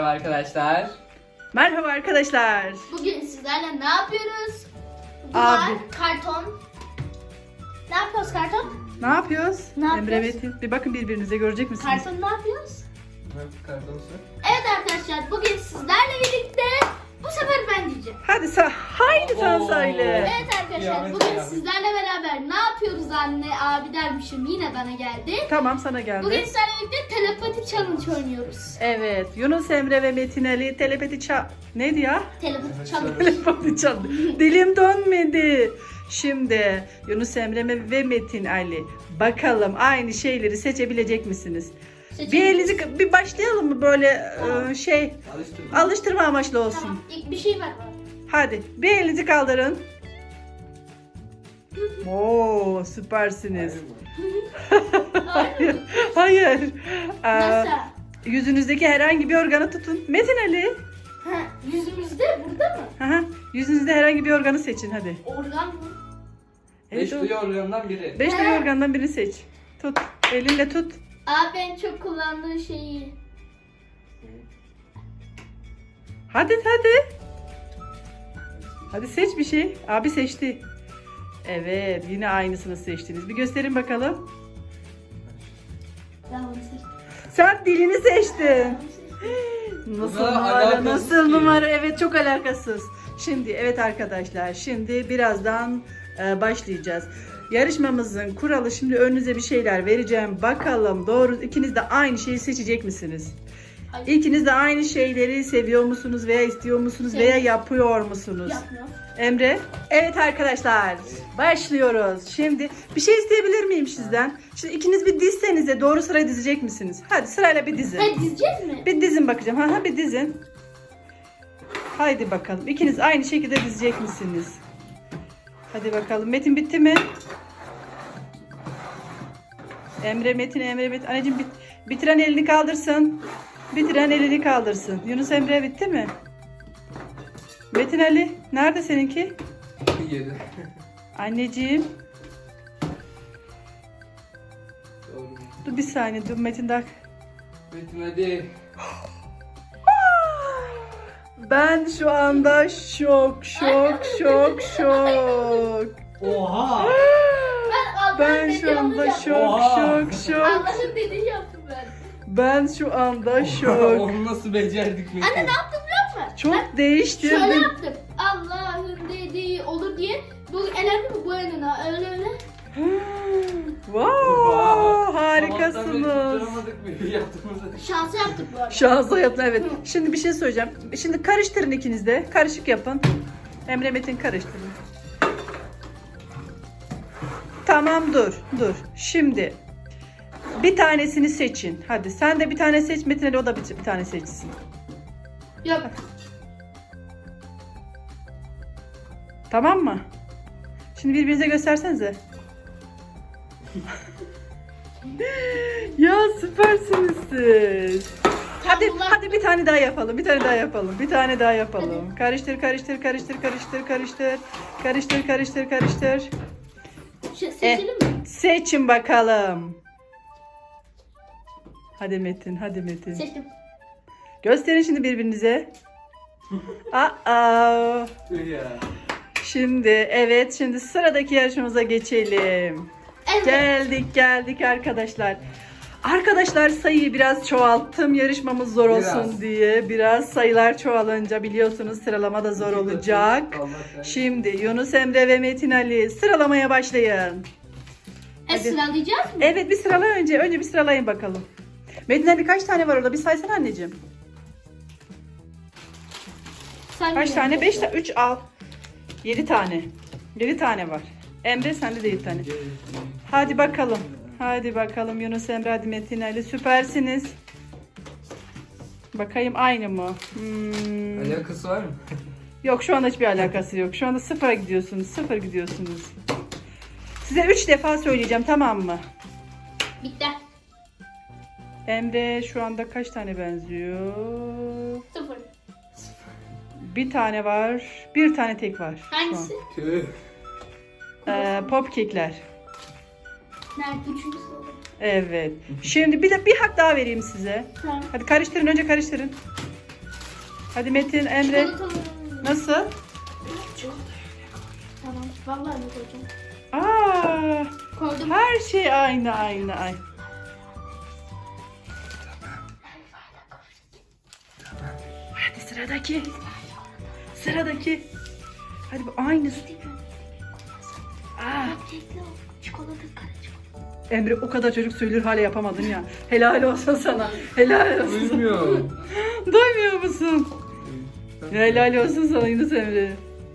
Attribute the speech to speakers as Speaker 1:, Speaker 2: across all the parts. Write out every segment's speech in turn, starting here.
Speaker 1: Merhaba arkadaşlar.
Speaker 2: Merhaba arkadaşlar.
Speaker 3: Bugün sizlerle ne yapıyoruz?
Speaker 2: Abi.
Speaker 3: Karton. Ne yapıyoruz karton?
Speaker 2: Ne yapıyoruz?
Speaker 3: Ne yapıyoruz?
Speaker 2: Emre Metin. Bir bakın birbirinize, görecek misiniz?
Speaker 3: Karton ne yapıyoruz?
Speaker 1: Kartonsu.
Speaker 3: Evet arkadaşlar bugün sizlerle birlikte bu sefer ben diyeceğim.
Speaker 2: Hadi haydi sen
Speaker 1: Oo.
Speaker 2: söyle.
Speaker 3: Evet arkadaşlar
Speaker 1: Kıyamet
Speaker 3: bugün
Speaker 1: kıyamet.
Speaker 3: sizlerle beraber ne yapıyoruz anne abi dermişim yine bana geldi.
Speaker 2: Tamam, sana geldi.
Speaker 3: Bugün sizlerle birlikte telepati challenge oynuyoruz.
Speaker 2: Evet, Yunus Emre ve Metin Ali telepati neydi ya?
Speaker 3: Telepati challenge.
Speaker 2: Telepati çaldı. Dilim dönmedi. Şimdi Yunus Emre ve Metin Ali, bakalım aynı şeyleri seçebilecek misiniz? Bir elinizi bir başlayalım mı böyle
Speaker 3: Tamam.
Speaker 2: alıştırma amaçlı olsun.
Speaker 3: Tamam ilk bir şey var bana.
Speaker 2: Hadi bir elinizi kaldırın. Oo, süpersiniz. Hayır. Hayır.
Speaker 3: Nasıl?
Speaker 2: Yüzünüzdeki herhangi bir organı tutun. Metin Ali.
Speaker 3: Ha, yüzümüzde burada mı?
Speaker 2: Aha, yüzünüzde herhangi bir organı seçin hadi.
Speaker 3: Organ mı?
Speaker 1: Beş
Speaker 2: o-
Speaker 1: duyu organından biri.
Speaker 2: 5 duyu organdan birini seç. Tut. Elinle tut.
Speaker 3: Abi en çok kullandığı şeyi.
Speaker 2: Hadi hadi. Hadi seç bir şey. Abi seçti. Evet, yine aynısını seçtiniz. Bir gösterin bakalım.
Speaker 3: Ben bunu seçtim.
Speaker 2: Sen dilini seçtin. Nasıl
Speaker 1: Bunlar
Speaker 2: numara?
Speaker 1: alakasız
Speaker 2: Nasıl
Speaker 1: ki.
Speaker 2: numara? Evet, çok alakasız. Şimdi evet arkadaşlar, şimdi birazdan başlayacağız. Yarışmamızın kuralı, şimdi önünüze bir şeyler vereceğim. Bakalım doğru, ikiniz de aynı şeyi seçecek misiniz?
Speaker 3: Hayır.
Speaker 2: İkiniz de aynı şeyleri seviyor musunuz veya istiyor musunuz
Speaker 3: Sev-
Speaker 2: veya yapıyor musunuz?
Speaker 3: Yapmıyor.
Speaker 2: Emre? Evet arkadaşlar, başlıyoruz. Şimdi bir şey isteyebilir miyim sizden? Şimdi ikiniz bir dizsenize, doğru sıraya dizecek misiniz? Hadi sırayla bir dizin.
Speaker 3: Hadi dizeceğiz mi?
Speaker 2: Bir dizin bakacağım. Ha bir dizin. Haydi bakalım. İkiniz aynı şekilde dizecek misiniz? Hadi bakalım. Metin bitti mi? Emre Metin. Anneciğim bitiren elini kaldırsın. Bitiren elini kaldırsın. Yunus Emre bitti mi? Metin Ali nerede seninki?
Speaker 1: 7.
Speaker 2: Anneciğim.
Speaker 1: Doğru.
Speaker 2: Dur bir saniye. Dur Metin daha.
Speaker 1: Metin hadi.
Speaker 2: Ben şu anda şok.
Speaker 1: Oha.
Speaker 2: Ben şu anda şok.
Speaker 3: Allah'ın dediği yaptım ben.
Speaker 2: Ben şu anda şok.
Speaker 1: Onu nasıl becerdik Metin?
Speaker 3: Anne ne yaptım biliyor musun?
Speaker 2: Çok
Speaker 3: Şöyle
Speaker 2: değiştirdim.
Speaker 3: yaptım. Allah'ın dediği olur diye. Bu elendi mi bu eline? Öyle.
Speaker 2: Wow,
Speaker 1: Sabahtan beri
Speaker 2: harikasınız.
Speaker 1: tutturamadık bir yaptığımızı.
Speaker 3: Şansı yaptık bu arada.
Speaker 2: Şansa yaptın, evet. Şimdi bir şey söyleyeceğim. Şimdi karıştırın ikiniz de. Karışık yapın. Emre Metin karıştırın. Tamam dur. Şimdi bir tanesini seçin. Hadi sen de bir tane seç. Metin Ali o da bir tane seçsin.
Speaker 3: Yok.
Speaker 2: Tamam mı? Şimdi birbirinize göstersenize. Ya süpersiniz siz. Hadi bir tane daha yapalım. Bir tane daha yapalım. Karıştır.
Speaker 3: Seçelim mi?
Speaker 2: Seçin bakalım. Hadi Metin.
Speaker 3: Seçtim.
Speaker 2: Gösterin şimdi birbirinize. Aa.
Speaker 1: Ya.
Speaker 2: Şimdi sıradaki yarışmamıza geçelim.
Speaker 3: Evet.
Speaker 2: Geldik arkadaşlar. Arkadaşlar sayıyı biraz çoğalttım yarışmamız zor olsun
Speaker 1: Biraz.
Speaker 2: diye. Biraz sayılar çoğalınca biliyorsunuz sıralama da zor olacak. Şimdi Yunus Emre ve Metin Ali sıralamaya başlayın. Hadi.
Speaker 3: Sıralayacağız mı?
Speaker 2: Evet bir sırala önce. Önce bir sıralayın bakalım. Metin Ali kaç tane var orada? Bir saysana anneciğim.
Speaker 3: Sen
Speaker 2: Kaç
Speaker 3: de.
Speaker 2: tane? 5 tane. 3 al. 7 tane. 7 tane var. Emre sende de 7 tane. Hadi bakalım Yunus Emre, hadi Metin Ali, süpersiniz. Bakayım aynı mı?
Speaker 1: Alakası var mı?
Speaker 2: Yok şu anda hiçbir alakası yok. Şu anda sıfıra gidiyorsunuz. Size 3 defa söyleyeceğim, tamam mı?
Speaker 3: Bitti.
Speaker 2: Emre şu anda kaç tane benziyor?
Speaker 3: 0.
Speaker 2: Bir tane var. Bir tane tek var. şu an.
Speaker 3: Hangisi?
Speaker 1: Tüh.
Speaker 2: Pop kekler.
Speaker 3: Nerede? Üçüncü sırada.
Speaker 2: Evet. Şimdi bir hak daha vereyim size.
Speaker 3: Tamam.
Speaker 2: Hadi karıştırın, önce karıştırın. Hadi Metin, Emre.
Speaker 3: Çikolatalı.
Speaker 2: Nasıl?
Speaker 3: Tamam. Vallahi ne koyacağım.
Speaker 2: Aa,
Speaker 3: Koydum.
Speaker 2: her şey aynı. Hadi sıradaki. Hadi bu aynısı. Aa,
Speaker 3: Çikolata karışık.
Speaker 2: Emre o kadar çocuk söylüyor hala yapamadın ya. Helal olsun sana. Helal olsun.
Speaker 1: Duymuyorum.
Speaker 2: Duymuyor musun? Helal olsun sana Yunus Emre.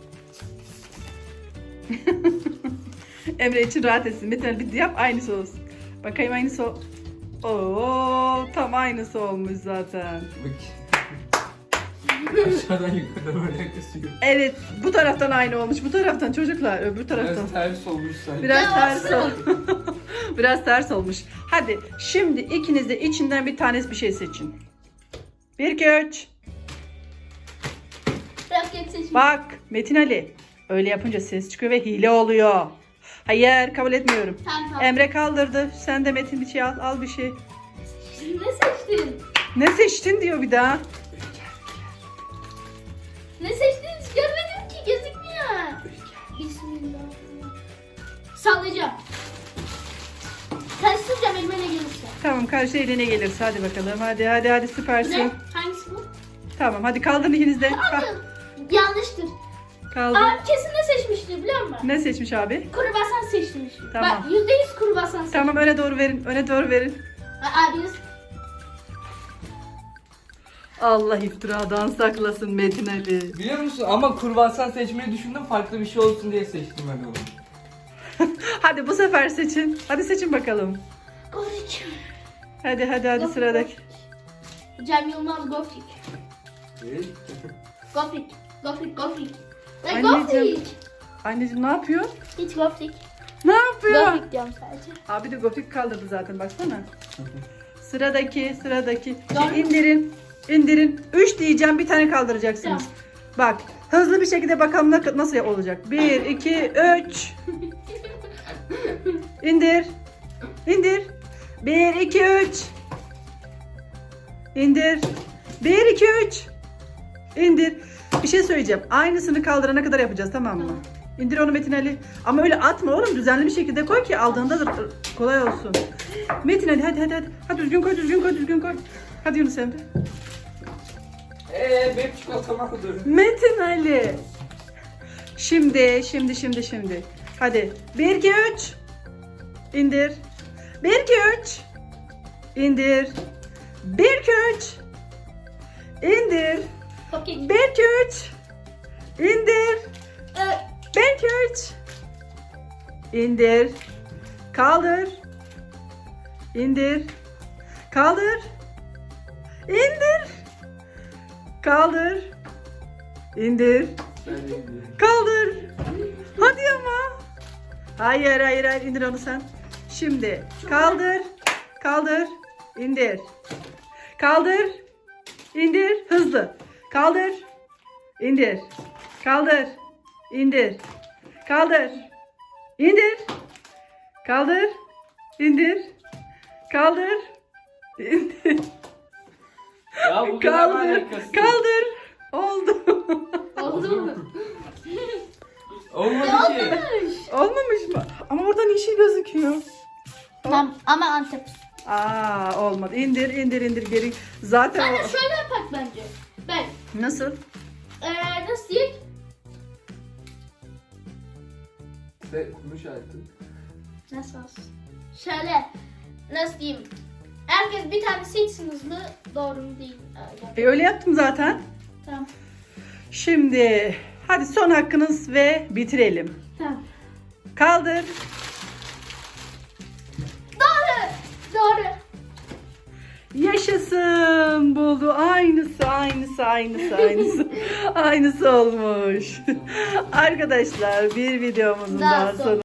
Speaker 2: Emre için rahat etsin. Metin bir yap aynısı olsun. Bakayım aynısı ol. Oo, tam aynısı olmuş zaten.
Speaker 1: Bak. Aşağıdan yukarı böyle kısıyor.
Speaker 2: Evet, bu taraftan aynı olmuş. Bu taraftan çocuklar, öbür taraftan.
Speaker 1: Biraz ters olmuş sanki.
Speaker 2: Biraz
Speaker 3: Ya,
Speaker 2: ters Biraz ters olmuş. Hadi şimdi ikiniz de içinden bir tanesi bir şey seçin. 1 2 3.
Speaker 3: Bırak seçim.
Speaker 2: Bak Metin Ali. Öyle yapınca ses çıkıyor ve hile oluyor. Hayır, kabul etmiyorum.
Speaker 3: Tamam.
Speaker 2: Emre kaldırdı. Sen de Metin bir şey al. Al bir şey.
Speaker 3: Ne seçtin?
Speaker 2: Ne seçtin diyor bir daha.
Speaker 3: Ne seçtiğini hiç görmedim ki, gözükmüyor. Bismillah. Sallayacağım. Karıştıracağım elime ne gelirse.
Speaker 2: Tamam, karşı eline gelirse hadi bakalım. Hadi süpersin.
Speaker 3: Ne? Hangisi bu?
Speaker 2: Tamam, hadi kaldırın ikiniz de.
Speaker 3: Abi yanlıştır.
Speaker 2: Kaldır.
Speaker 3: Abi kesin ne seçmiştir biliyor musun?
Speaker 2: Ne seçmiş abi?
Speaker 3: Kruvasan seçmiş.
Speaker 2: Tamam.
Speaker 3: Bak %100 kruvasan seçmiş.
Speaker 2: Tamam, öne doğru verin. Öne doğru verin.
Speaker 3: Abiniz
Speaker 2: Allah iftiradan saklasın Metin Ali.
Speaker 1: Biliyor musun ama kurbasan seçmeyi düşündüm, farklı bir şey olsun diye seçtim ben onu.
Speaker 2: Hadi bu sefer seçin. Hadi seçin bakalım.
Speaker 3: Gofik.
Speaker 2: Hadi sıradaki.
Speaker 3: Cem Yılmaz Gofik.
Speaker 1: Evet.
Speaker 3: Gofik. Ne
Speaker 2: Anneciğim.
Speaker 3: Gofik?
Speaker 2: Anneciğim ne yapıyor?
Speaker 3: Hiç Gofik.
Speaker 2: Ne yapıyor?
Speaker 3: Gofik diyorum sadece.
Speaker 2: Abi de gofik kaldırdı zaten baksana. Sıradaki.
Speaker 3: Doğru.
Speaker 2: İndirin. 3 diyeceğim, bir tane kaldıracaksınız.
Speaker 3: Tamam.
Speaker 2: Bak hızlı bir şekilde bakalım nasıl olacak. 1 2 3. İndir. 1 2 3. İndir. 1 2 3. İndir. Bir şey söyleyeceğim. Aynısını kaldırana kadar yapacağız, tamam mı?
Speaker 3: Tamam.
Speaker 2: İndir onu Metin Ali. Ama öyle atma oğlum. Düzenli bir şekilde koy ki aldığında da kolay olsun. Metin Ali hadi. Hadi düzgün koy. Hadi Yunus Emre.
Speaker 1: Benim çikolatamı aldım.
Speaker 2: Metin Ali. Şimdi. Hadi. 1 2 3. İndir. 1 2 3. İndir. 1 2 3. İndir.
Speaker 3: Gofik.
Speaker 2: 1 2 3. İndir. 1 2 3. İndir. Kaldır. İndir. Kaldır. İndir. Kaldır. İndir.
Speaker 1: Ben de gidiyorum.
Speaker 2: Kaldır. Hadi ama. Hayır indir onu sen. Şimdi kaldır. İndir. Kaldır. İndir. Hızlı. Kaldır. İndir. Kaldır. İndir. Kaldır. İndir. Kaldır. İndir. Kaldır. İndir.
Speaker 1: Ya bu kadar
Speaker 2: Kaldır.
Speaker 1: alakası.
Speaker 2: Kaldır. Oldu.
Speaker 3: Oldu mu?
Speaker 1: Olmadı ki.
Speaker 2: Olmamış mı? Ama oradan yeşil gözüküyor.
Speaker 3: Tamam ama Antep.
Speaker 2: Olmadı. İndir geri. Zaten
Speaker 3: Anne
Speaker 2: o...
Speaker 3: şöyle yapak bence. Ben
Speaker 2: Nasıl?
Speaker 3: nasıl diyeyim?
Speaker 1: Ve kuruş artık.
Speaker 3: Nasıl olsun? Şöyle nasıl diyeyim? Herkes bir tane seçsin hızlı. Doğru mu değil? Öyle.
Speaker 2: Öyle yaptım zaten.
Speaker 3: Tamam.
Speaker 2: Şimdi hadi son hakkınız ve bitirelim.
Speaker 3: Tamam.
Speaker 2: Kaldır.
Speaker 3: Doğru.
Speaker 2: Yaşasın. Buldu. Aynısı. Aynısı olmuş. Arkadaşlar bir videomuzun
Speaker 3: Daha
Speaker 2: daha
Speaker 3: son.
Speaker 2: sonu.